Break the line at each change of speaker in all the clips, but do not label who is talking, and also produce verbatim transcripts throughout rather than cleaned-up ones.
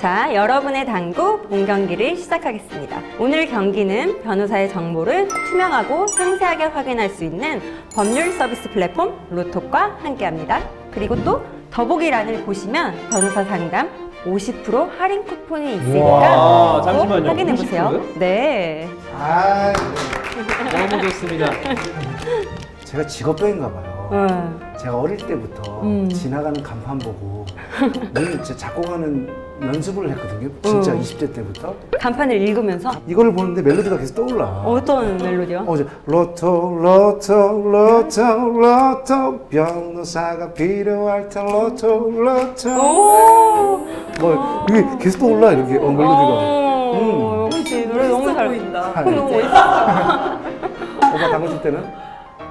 자, 여러분의 당구 본 경기를 시작하겠습니다. 오늘 경기는 변호사의 정보를 투명하고 상세하게 확인할 수 있는 법률 서비스 플랫폼 로톡과 함께합니다. 그리고 또 더보기란을 보시면 변호사 상담 오십 퍼센트 할인 쿠폰이 있으니까
와,
꼭
잠시만요.
확인해 보세요.
오십 퍼센트요?
네.
아,
너무 좋습니다.
제가 직업병인가 봐요.
음.
제가 어릴 때부터
음.
지나가는 간판 보고 늘 진짜 작곡하는 연습을 했거든요. 진짜
음.
이십 대 때부터.
간판을 읽으면서
이거를 보는데 멜로디가 계속 떠올라.
어떤 멜로디요?
어제 로또 로또 로또 로또 변호사가 필요할 때 로또 로또
오!
뭐 이게 계속 떠올라 이렇게 어, 멜로디가.
어,
음.
역시 노래 너무 잘
보인다.
아,
너무
이제.
멋있어.
오빠 당구 칠 때는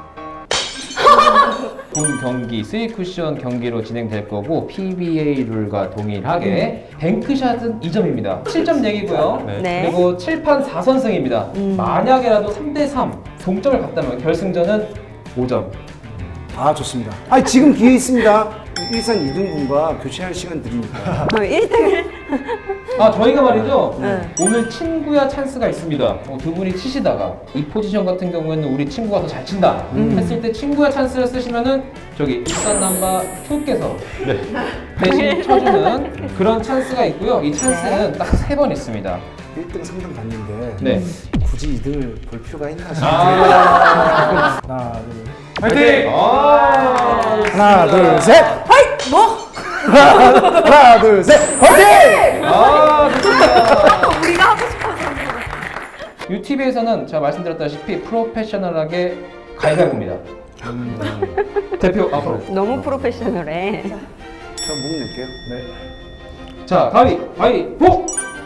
본 경기 스윗 쿠션 경기로 진행될 거고 피비에이 룰과 동일하게 뱅크샷은 이 점입니다. 칠 점 내기고요.
네.
그리고 칠판 사 선승입니다.
음.
만약에라도 삼 대 삼 동점을 갔다면 결승전은 오 점.
아 좋습니다. 아 지금 기회 있습니다. 일산 이등분과 교체할 시간 드리니까.
어, 일 등을
아 저희가 말이죠.
네.
오늘 친구야 찬스가 있습니다. 어, 두 분이 치시다가 이 포지션 같은 경우에는 우리 친구가 더 잘 친다
음.
했을 때 친구야 찬스를 쓰시면은 저기 일산 남바 투께서 대신 쳐주는 그런 찬스가 있고요. 이 찬스는 딱 세 번 있습니다.
일 등, 삼 등 봤는데
네.
굳이 이 등을 볼 필요가 있나 싶어요.
아,
하나, 둘,
파이팅! 아,
하나,
좋습니다.
둘, 셋, 화이팅! 뭐? 하나, 둘, 셋, 화이팅!
아, 좋습니다.
우리가 하고 싶어서.
유티비에서는 제가 말씀드렸다시피 프로페셔널하게 가위바위보입니다. 대표 앞으로.
너무 프로페셔널해.
저목 낼게요.
네. 자, 가위, 바위보!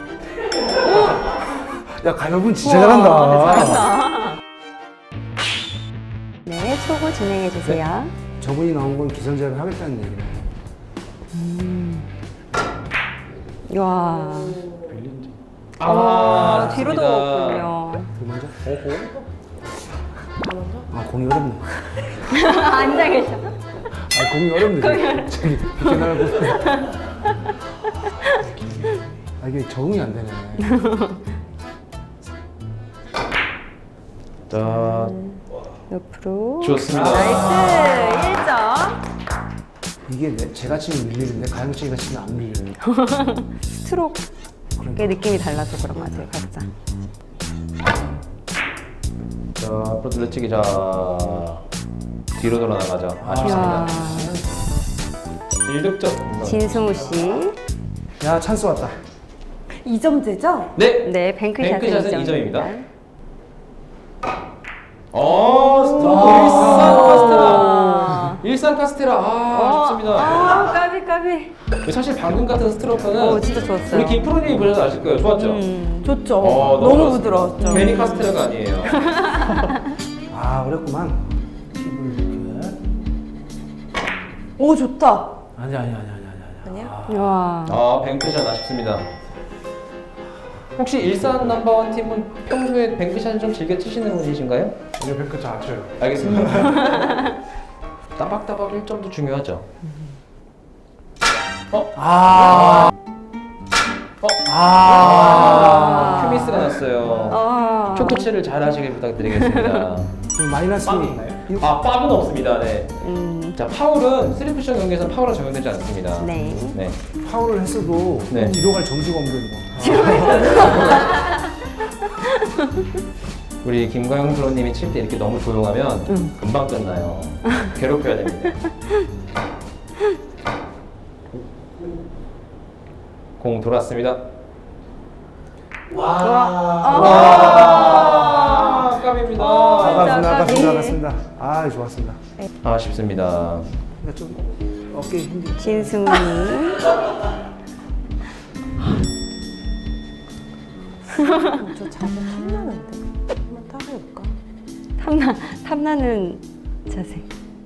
야, 가위바위보는 진짜 잘한다.
잘한다. 네, 초고 진행해 주세요.
저분이 나온 건 기선제압을 하겠다는 얘기네.
와,
아,
아, 뒤로도
좋습니다.
갔군요.
그 먼저? 아, 공이 어렵네.
앉아 계셔.
아, 공이 어렵네. 저기, 이렇게 나가고. 아, 이게 적응이 안 되네.
자,
옆으로.
좋습니다.
나이스, 일 점.
이게 내, 제가 치면 밀리는데 가영씨가 치면 안 밀려요.
스트로크의 느낌이 달라서 그런 것 같아요, 각자.
자, 앞으로 둘러치기. 자, 뒤로 돌아 나가자.
이야,
아쉽습니다. 일 득점.
진승우 씨.
야, 찬스 왔다.
이 점제죠?
네.
네, 뱅크샷은
뱅크샷은
이
이
점입니다.
점입니다. 어, 스톱.
아.
일산 카스테라. 일산 카스테라. 아, 아쉽습니다.
아, 까비, 까비.
사실 방금 같은 스트로크는
오, 진짜 좋았어요.
우리 김프로님이 보셔서 아실 거예요. 좋았죠?
음.
좋죠.
어,
너무
좋았습니다.
부드러웠죠.
괜히 카스테라가 아니에요.
아, 어렵구만. 팁을 이렇게.
오, 좋다.
아니, 아니, 아니, 아니, 아니.
아니야?
와.
아, 뱅크샷 아쉽습니다. 혹시 일산 넘버원 팀은 평소에 뱅크샷을 좀 즐겨 치시는 분이신가요?
아니요, 뱅크 잘 쳐요.
알겠습니다. 따박따박 일 점도 중요하죠. 어?
아,
어?
아,
큐미스가 났어요.
아.
초코치를 잘 하시길 부탁드리겠습니다.
좀 마이너스.
빵이 있나요? 아, 빵은 없습니다. 네.
음.
자, 파울은 쓰리 쿠션 경기에서는 파울은 적용되지 않습니다.
네.
네.
파울을 했어도
네.
뒤로 갈 점수가 없는 거.
우리 김광영 프로님이 칠 때 이렇게 너무 조용하면
음.
금방 끝나요. 괴롭혀야 됩니다. 공 돌았습니다. 와, 와, 깜입니다.
어,
나갔습니다,
진짜
나갔습니다,
아깝네.
나갔습니다. 아, 좋았습니다.
아쉽습니다.
그러니까 좀 어깨 힘들지.
진승우.
저 자세 탐나는데. 한번 따라해볼까?
탐나, 탐나는 자세.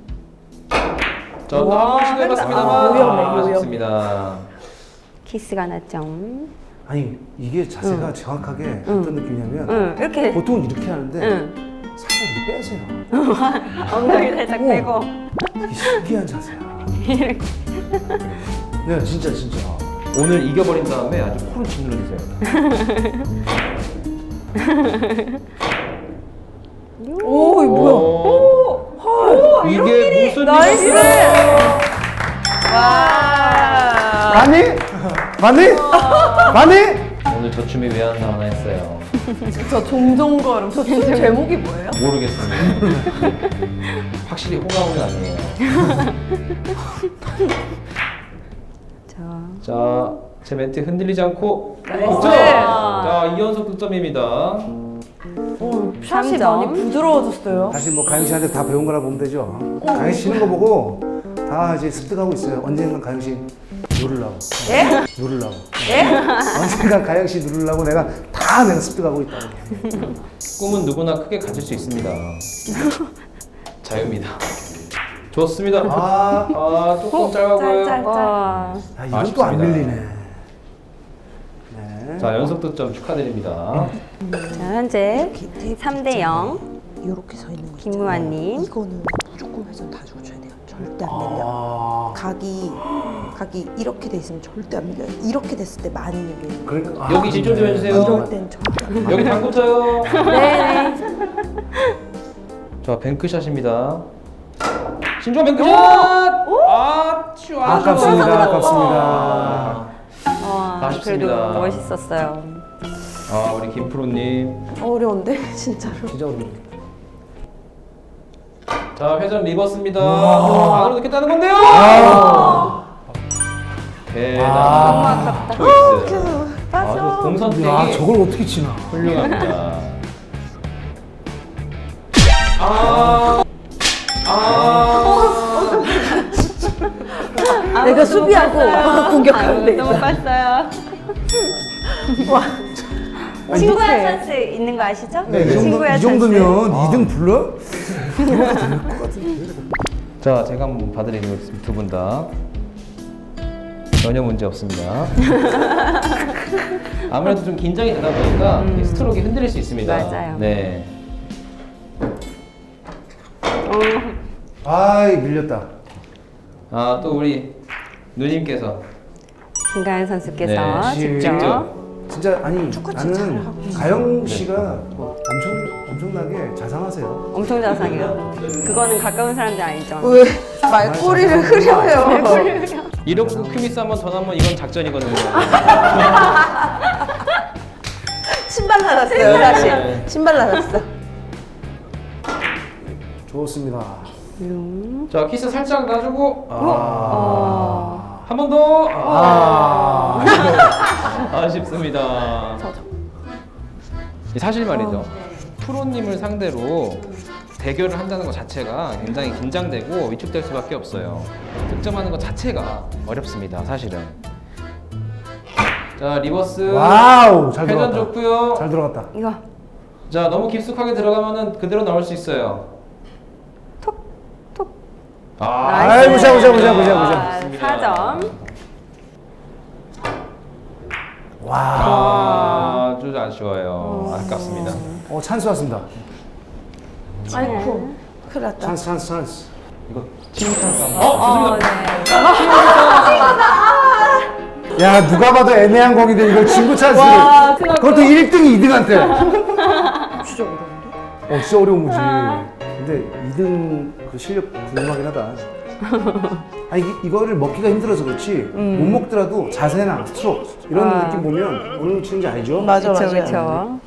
자, 한번 시도해봤습니다만
아, 위험해,
아,
위험해.
아쉽습니다.
키스가 났죠.
아니, 이게 자세가 정확하게 어떤 느낌이냐면
응, 이렇게.
보통은 이렇게 하는데
응.
살짝 이렇게 빼세요.
엉덩이 살짝
오.
빼고.
이게 신기한 자세야. 네, 진짜 진짜.
오늘 이겨버린 다음에 아주 코를 짓눌러주세요.
오, 이거 뭐야?
오,
헐.
이게 무슨
나이스.
일이야?
와.
많이? 많이? 많이?
오늘 저 춤이 왜 안 나오나 했어요.
저 종종걸음. 저 춤 제목이 뭐예요?
모르겠습니다. 확실히 호감은 아니에요.
자,
자, 제 멘트 흔들리지 않고
나이스.
득점! 자, 이연속 득점입니다.
오, 샷이
삼 점.
많이 부드러워졌어요.
사실 뭐 가영 씨한테 다 배운 거라 보면 되죠. 가영 씨 치는 거 보고 다 이제 습득하고 있어요. 언젠간 가영 씨 누르려고.
예?
누르려고.
예?
언젠간 가영 씨 누르려고 내가 다 내가 습득하고 있다고.
꿈은 누구나 크게 가질 수 있습니다. 자유입니다. 좋습니다.
아,
아, 조금 짧아 보여요.
짤, 짤.
와,
아 이건 또 안
아쉽습니다.
밀리네. 네.
자, 연속 득점 축하드립니다.
자 현재 삼 대 영.
이렇게 서 있는 거
김무환님.
있잖아요. 이거는 무조건 회전 다 주고 쳐야 돼요. 절대 안 밀려.
아,
각이 각이 이렇게 돼 있으면 절대 안 밀려요. 이렇게 됐을 때 많이 밀려요.
그러니까 아,
여기 집중 좀
네.
해주세요.
이럴 땐 절대 안 밀려요.
여기 당구 쳐요.
네.
자, 뱅크샷입니다. 신종 뱅크샷! 아, 쭈, 아주
아깝습니다.
좋아.
아깝습니다.
와,
아쉽습니다.
그래도 멋있었어요.
아, 우리 김프로님.
어려운데 진짜로.
진짜 어렵네.
자, 회전 리버스입니다.
우와.
안으로 넣겠다는 건데요.
아,
대단한
아.
초이스. 아주 공선택이
야 저걸 어떻게 치나?
훌륭합니다. 아, 아,
내가 수비하고 오빠가 공격하면 돼.
너무 빴어요.
아니,
친구야
어떡해.
찬스 있는 거 아시죠?
네, 이, 정도,
친구야
이 정도면
찬스.
이 등 불러?
자, 제가 한번 봐드리는 거 두 분 다. 전혀 문제 없습니다. 아무래도 좀 긴장이 되다 보니까 이 스트로크가 흔들릴 수 있습니다.
맞아요.
네.
아이 밀렸다.
아, 또 우리 누님께서
김가연 선수께서
네,
직접
직접.
진짜 아니 나는 가영 씨가 뭐 엄청 엄청나게 자상하세요.
엄청 자상해요. 그거는 가까운 사람들 아니죠.
왜 말꼬리를 흐려요?
이렇고 큐미스 한 번 더 나면 이건 작전이거든요.
신발 나갔어요
네.
사실. 신발 나갔어.
좋습니다.
자, 키스 살짝 놔주고 아,
어.
한 번 더.
아,
아쉽습니다. 사실 말이죠. 프로님을 상대로 대결을 한다는 것 자체가 굉장히 긴장되고 위축될 수밖에 없어요. 득점하는 것 자체가 어렵습니다, 사실은. 자, 리버스.
와우 잘
회전
들어갔다.
좋고요.
잘 들어갔다.
이거
자, 너무 깊숙하게 들어가면은 그대로 나올 수 있어요.
톡.
아,
아이, 보자, 보자, 보자, 보자, 보자.
맞습니다.
사 점.
와,
아, 아주 아쉬워요. 아깝습니다.
어 찬스 왔습니다.
아이고 큰일 났다.
찬스 찬스 찬스.
이거 친구 찬스 한번.
어, 네.
야 누가 봐도 애매한 공인데 이걸 친구 찬스.
와, 큰일 났다.
그것도 일 등이 이 등한테.
진짜 어려운데?
어 진짜 어려운 거지. 근데 이 등 그 실력 궁금하긴 하다. 아니 이, 이거를 먹기가 힘들어서 그렇지 못 먹더라도 자세나 스트로크 이런
아.
느낌 보면 어느 정도 치는지 알죠?
맞아
그쵸,
맞아.
그쵸.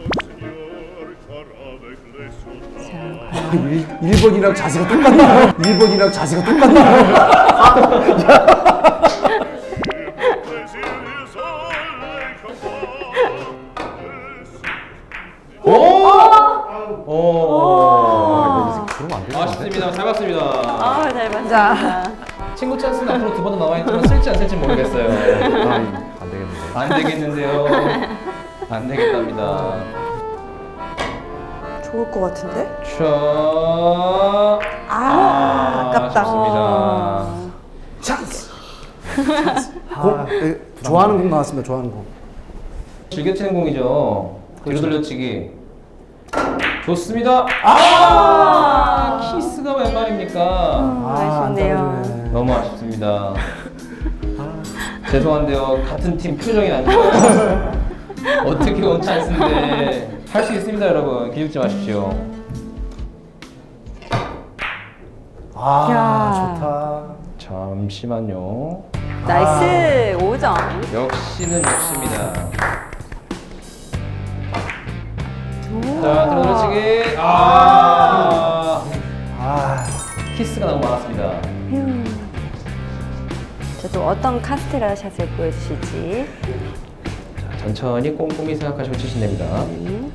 일 번이랑 자세가 똑같나? 일 번이랑 자세가 똑같나?
오! 오!
그러면 안
아쉽습니다. 잘 봤습니다.
아, 잘 봤습니다.
친구 찬스는 앞으로 두 번 더 나와 있지만 쓸지 안 쓸지 모르겠어요.
안 되겠는데.
안 되겠는데요. 안 되겠답니다.
좋을 것 같은데?
자,
아, 아깝다.
아쉽습니다.
찬스. 공 네, 좋아하는 공 나왔습니다. 좋아하는 공.
즐겨치는 공이죠. 뒤로 돌려치기. 좋습니다. 아, 키스가 웬 말입니까?
아, 아쉽네요.
안 떨어지네.
너무 아쉽습니다. 죄송한데요. 같은 팀 표정이 안 좋아요. 어떻게 온 찬스인데 할 수 있습니다, 여러분. 기죽지 마십시오.
아
야.
좋다.
잠시만요.
나이스 오 점.
역시는 역시입니다. 자, 들어치기. 아,
아
키스가 너무 많았습니다.
자, 또 어떤 카스테라 샷을 보여주실지.
자, 천천히 꼼꼼히 생각하시고 치시면 됩니다.
음.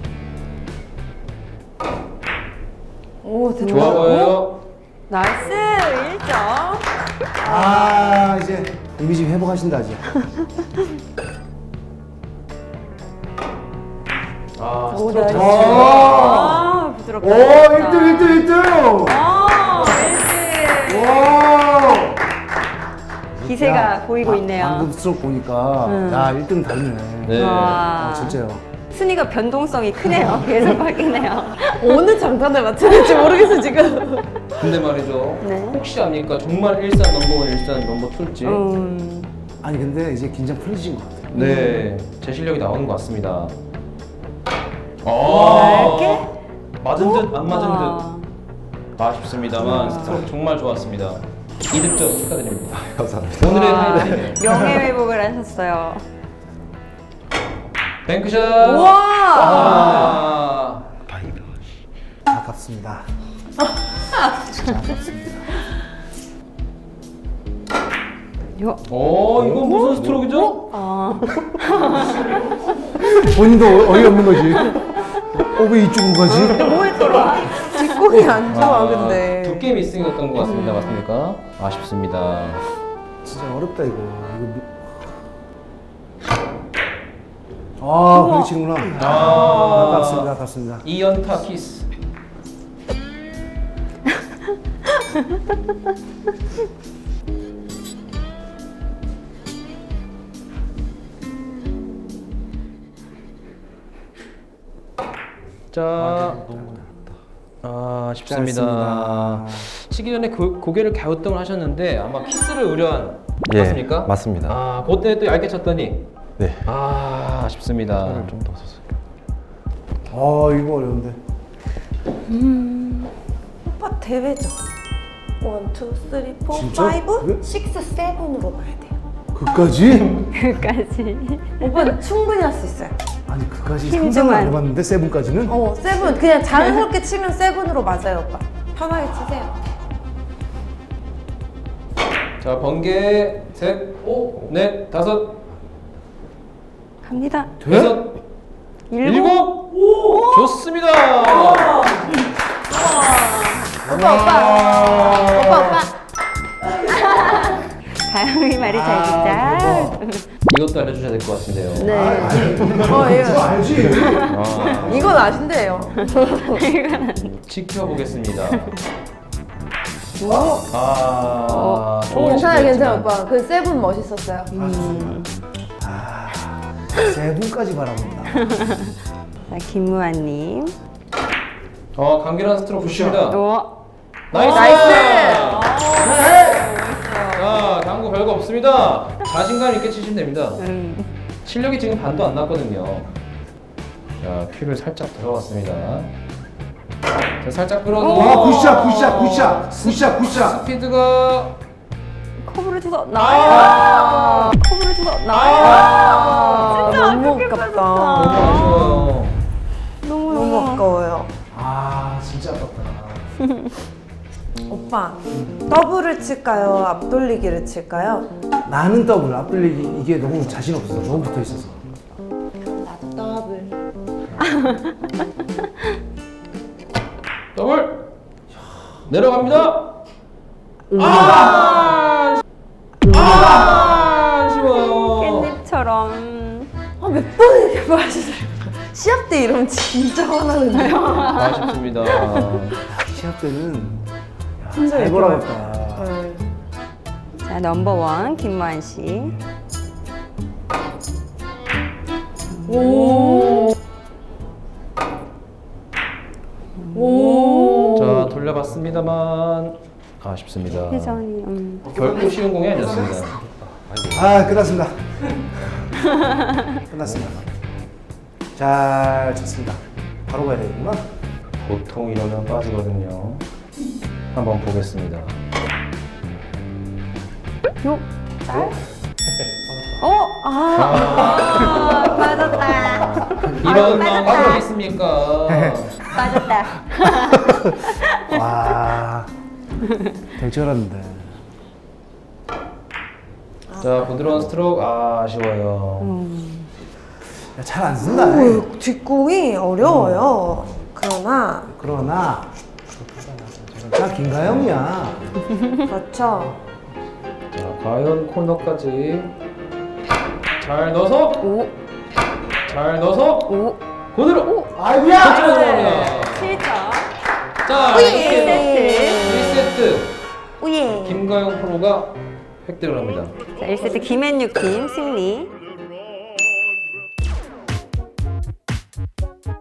오, 됐다.
좋아 보여요.
나이스 일 점.
아, 이제 이미지 회복하신다 이제.
아,
오,
스트로크
나이스.
잘 치네요.
아, 부드럽다.
오 일 등 일 등 일 등.
아, 일 등.
와.
기세가
야,
보이고
아,
있네요.
방금 스트로크 보니까
음.
야 일 등 다르네.
네.
와.
아, 진짜요.
순위가 변동성이 크네요. 계속 바뀌네요.
어느 장단에 맞춰야 될지 모르겠어, 지금.
근데 말이죠.
네.
혹시 압니까? 정말 일산 넘버원, 일산 넘버 투일지?
음,
아니 근데 이제 긴장 풀리신 것 같아요.
네, 제 실력이 나오는 것 같습니다.
넓게?
맞은 듯 안 맞은
와.
듯 아쉽습니다만 스트로크 정말 좋았습니다. 이 득점 축하드립니다.
감사합니다.
오늘의
와,
하이라이트
명예 회복을 하셨어요.
뱅크샷.
우와!
아,
아깝습니다. 진짜 아깝습니다.
요.
어, 이거 무슨 스트로크죠?
어.
본인도 어이없는 거지. 어 왜 이쪽으로 가지?
뭐에 들어와?
뒷공이 안 좋아,
아,
근데.
두 게임 미스였던 것 같습니다. 맞습니까? 아쉽습니다.
진짜 어렵다 이거. 이거 미... 아 그렇게 치는구나.
아,
아깝습니다. 아깝습니다.
이연타 키스. 자, 아, 아쉽습니다.
짧습니다.
치기 전에 고, 고개를 갸우뚱을 하셨는데 아마 키스를 우려한
예,
맞습니까?
맞습니다.
아, 그때 또 얇게 쳤더니
네.
아, 아쉽습니다.
좀 더 썼어요.
아 이거 어려운데.
오빠 대회죠. 원, 투, 쓰리, 포,
진짜?
파이브,
그래?
식스, 세븐으로 가야 돼요.
그까지?
그까지.
오빠는 충분히 할 수 있어요.
아니 그까지
힘
상상을 안
좀
해봤는데 세븐까지는?
어, 세븐 그냥 자연스럽게 치면 세븐으로 맞아요, 오빠. 편하게 치세요.
자, 번개 셋, 오, 넷, 다섯,
갑니다.
돼?
여섯,
일곱.
일곱. 좋습니다.
오빠, 오빠. 오빠, 오빠. 다영이 말이 잘 듣자.
이것도 알려주셔야 될 것 같은데요.
네.
어,
그거
예.
알지?
아,
이건 아신대요.
지켜보겠습니다. 아,
오,
좋은
괜찮아요,
시도였지만.
괜찮아요, 오빠. 그 세븐 멋있었어요.
아 세븐까지 바라본다.
자, 김무아님.
어, 강렬한 스트로크 좋습니다.
오.
나이스!
나이스!
자, 당구 별거 없습니다. 자신감 있게 치시면 됩니다.
음.
실력이 지금 반도 안 났거든요. 자, 큐를 살짝 들어갔습니다. 자, 살짝 끌어도
아 굿샷 굿샷 굿샷 굿샷 굿샷.
스피드가
컵으로 쳐서 나와요. 컵으로 쳐서 나와요.
아, 너무
너무
아깝다.
아쉬워요.
너무
너무 아까워요.
아 진짜 아깝다.
오빠, 더블을 칠까요? 앞돌리기를 칠까요?
나는 더블 앞돌리기 이게 너무 자신 없어서 너무 붙어 있어서.
나도 더블.
더블 내려갑니다. 아, 아, 아쉬워요.
깻잎처럼.
아, 몇 번 이렇게 마시세요? 시합 때 이러면 진짜 화나는데요.
아쉽습니다.
시합 때는 야,
진짜
잘
이렇게
걸어갔다.
네.
자, 넘버원 김무한 씨.
오. 오.
자, 돌려봤습니다만 아쉽습니다.
회전이. 음.
결코 쉬운 공이 아니었습니다.
아, 끝났습니다. 끝났습니다. 잘 쳤습니다. 바로 가야 되겠구나.
보통 이러면 빠지거든요. 한번 보겠습니다.
요. 짤. 어? 아, 아 빠졌다.
이런
빠졌다.
방법이 있습니까?
빠졌다.
와, 될 줄 알았는데.
자, 부드러운 스트로크 아, 아쉬워요.
잘 안 쓴다.
오, 뒷공이 어려워요. 그러나
그러나 나 김가영이야.
그렇죠.
자, 과연 코너까지 잘 넣어서
오.
잘 넣어서
오.
고대로
아이고야.
들어갑니다.
칠 점.
자,
일
이렇게
세트.
일 세트
우예.
김가영 프로가 획득을 합니다.
자, 일 세트 김앤유 팀 승리.